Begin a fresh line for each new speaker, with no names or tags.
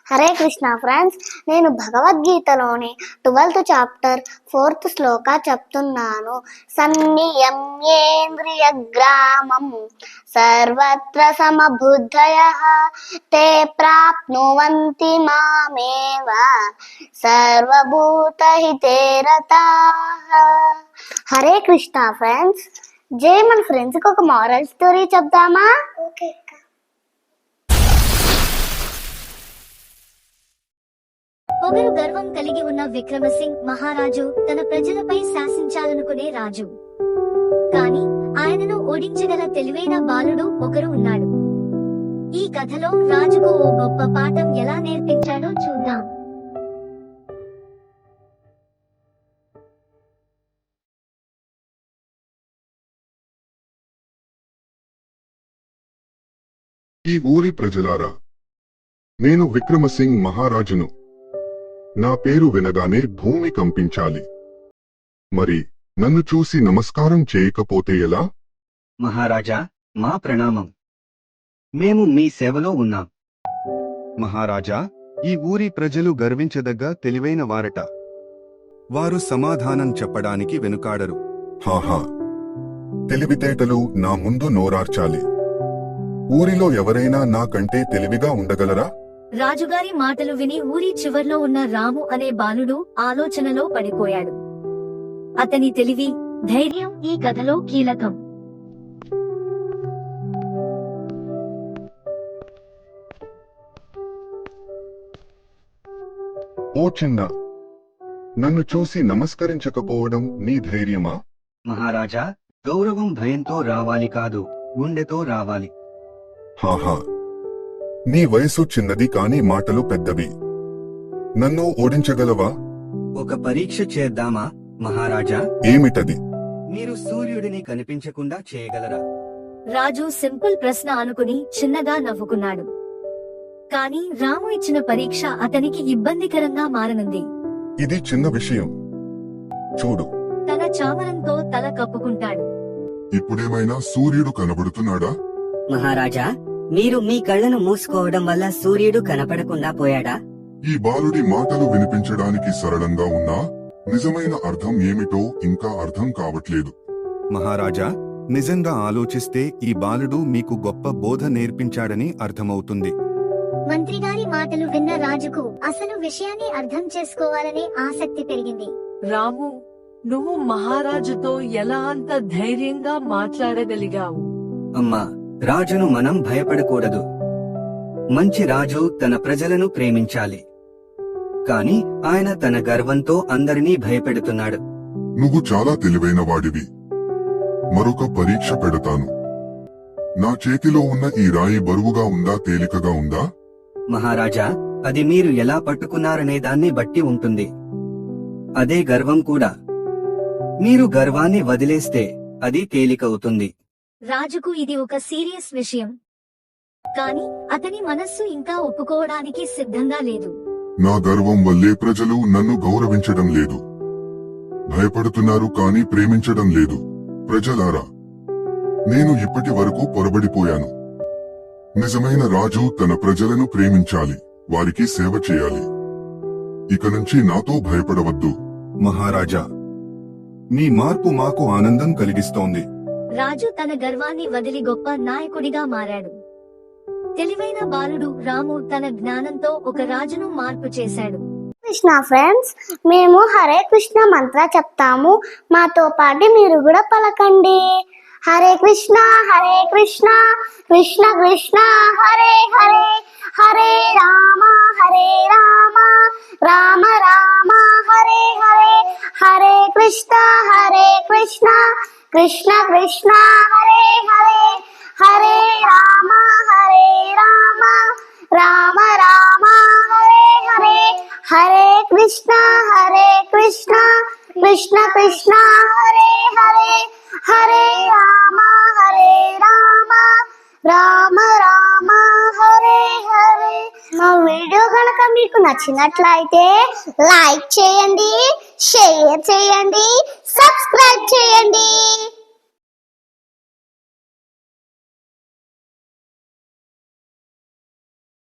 Hare Krishna friends, నేను భగవద్గీతలోని 12th chapter 4th శ్లోక చెప్తున్నాను. సన్నియమ్యేంద్రియ గ్రామం సర్వత్ర సమబుద్ధయః తే ప్రాప్నువంతి మామేవ సర్వభూతహితే రతాః. హరే కృష్ణ ఫ్రెండ్స్, మన ఫ్రెండ్స్కి ఒక మారల్ స్టోరీ చెప్దామా? ఓకే.
పొగరు గర్వం కలిగి ఉన్న విక్రమసింగ్ మహారాజు తన ప్రజలపై శాసించాలనుకునే రాజు. కాని ఆయనను ఓడించగల తెలివైన బాలుడు ఒకరు ఉన్నాడు. ఈ కథలో రాజుకు ఓ గొప్ప పాఠం ఎలా నేర్పించాడో చూద్దాం.
ఈ ఊరి ప్రజలారా, నేను విక్రమసింగ్ మహారాజును. నా పేరు వినగానే భూమి కంపించాలి. మరి నన్ను చూసి నమస్కారం చేయకపోతే ఎలా?
మహారాజా, మా ప్రణామం. మేము మీ సేవలో ఉన్నాం.
మహారాజా, ఈ ఊరి ప్రజలు గర్వించదగ్గ తెలివైన వారట. వారు సమాధానం చెప్పడానికి వెనుకాడరు.
హాహా, తెలివితేటలు నా ముందు నోరార్చాలి. ఊరిలో ఎవరైనా నాకంటే తెలివిగా ఉండగలరా?
రాజుగారి మాటలు విని ఊరి చివర్లో ఉన్న రాము అనే బాలుడు ఆలోచనలో పడిపోయాడు. అతని తెలివి, ధైర్యం ఈ కథలో కీలకం.
ఓ చిన్న, నన్ను చూసి నమస్కరించకపోవడం నీ ధైర్యమా?
మహారాజా, గౌరవం భయంతో రావాలి కాదు, గుండెతో రావాలి.
హాహా, నీ వయసు చిన్నది కాని మాటలు పెద్దవి. నన్ను ఓడించగలవా?
ఒక పరీక్ష చేద్దామా మహారాజా?
ఏమిటది?
మీరు సూర్యుడిని కనిపించకుండా చేయగలరా?
రాజు సింపుల్ ప్రశ్న అనుకుని చిన్నగా నవ్వుకున్నాడు. కాని రాము ఇచ్చిన పరీక్ష అతనికి ఇబ్బందికరంగా మారనుంది.
ఇది చిన్న విషయం. చూడు.
తన చామరంతో తల కప్పుకుంటాడు.
ఇప్పుడేమైనా సూర్యుడు కనబడుతున్నాడా?
మహారాజా, మీరు మీ కళ్ళను మూసుకోవడం వల్ల సూర్యుడు కనపడకుండా పోయాడా?
ఈ బాలుడి మాటలు వినిపించడానికి సరళంగా ఉన్నా నిజమైన అర్థం ఏమిటో ఇంకా అర్థం కావట్లేదు.
మహారాజా, నిజంగా ఆలోచిస్తే ఈ బాలుడు మీకు గొప్ప బోధ నేర్పించాడని అర్థమవుతుంది.
మంత్రిగారి మాటలు విన్న రాజుకు అసలు విషయాన్ని అర్థం చేసుకోవాలనే ఆసక్తి పెరిగింది.
రాము, నువ్వు మహారాజుతో ఎలా అంత ధైర్యంగా మాట్లాడగలిగావు?
అమ్మా, రాజును మనం భయపడకూడదు. మంచి రాజు తన ప్రజలను ప్రేమించాలి. కాని ఆయన తన గర్వంతో అందరినీ భయపెడుతున్నాడు.
నువ్వు చాలా తెలివైన వాడివి. మరొక పరీక్ష పెడతాను. నా చేతిలో ఉన్న ఈ రాయి బరువుగా ఉందా, తేలికగా ఉందా?
మహారాజా, అది మీరు ఎలా పట్టుకున్నారనే దాన్ని బట్టి ఉంటుంది. అదే గర్వం కూడా. మీరు గర్వాన్ని వదిలేస్తే అది తేలికవుతుంది.
రాజుకు ఇది ఒక సీరియస్ విషయం. కాని అతని మనస్సు ఇంకా ఒప్పుకోవడానికి సిద్ధంగా లేదు.
నా గర్వం వల్లే ప్రజలు నన్ను గౌరవించడం లేదు. భయపడుతున్నారు కాని ప్రేమించడం లేదు. ప్రజలారా, నేను ఇప్పటి వరకు పొరబడిపోయాను. నిజమైన రాజు తన ప్రజలను ప్రేమించాలి, వారికి సేవ చేయాలి. ఇక నుంచి నాతో భయపడవద్దు.
మహారాజా, నీ మార్పు మాకు ఆనందం కలిగిస్తోంది.
రాజు తన గర్వాన్ని వదిలి గొప్ప నాయకుడిగా మారాడు. తెలివైన బాలుడు రాము తన జ్ఞానంతో ఒక రాజును మార్పు చేశాడు.
కృష్ణ ఫ్రెండ్స్, మేము హరే కృష్ణ మంత్ర చెప్తాము. మాతో పాటు మీరు కూడా పలకండి. హరే కృష్ణ కృష్ణ కృష్ణ హరే హరే, హరే రామ రామ రామ హరే హరే, హరే కృష్ణ కృష్ణ కృష్ణ హరే హరే, హరే రామ రామ రామ హరే హరే, హరే కృష్ణ కృష్ణ కృష్ణ హరే హరే, హరే రామ రామ రామ హరే హరే. మా వీడియో కనుక మీకు నచ్చినట్లయితే లైక్ చేయండి, షేర్ చేయండి, సబ్స్క్రైబ్ చేయండి.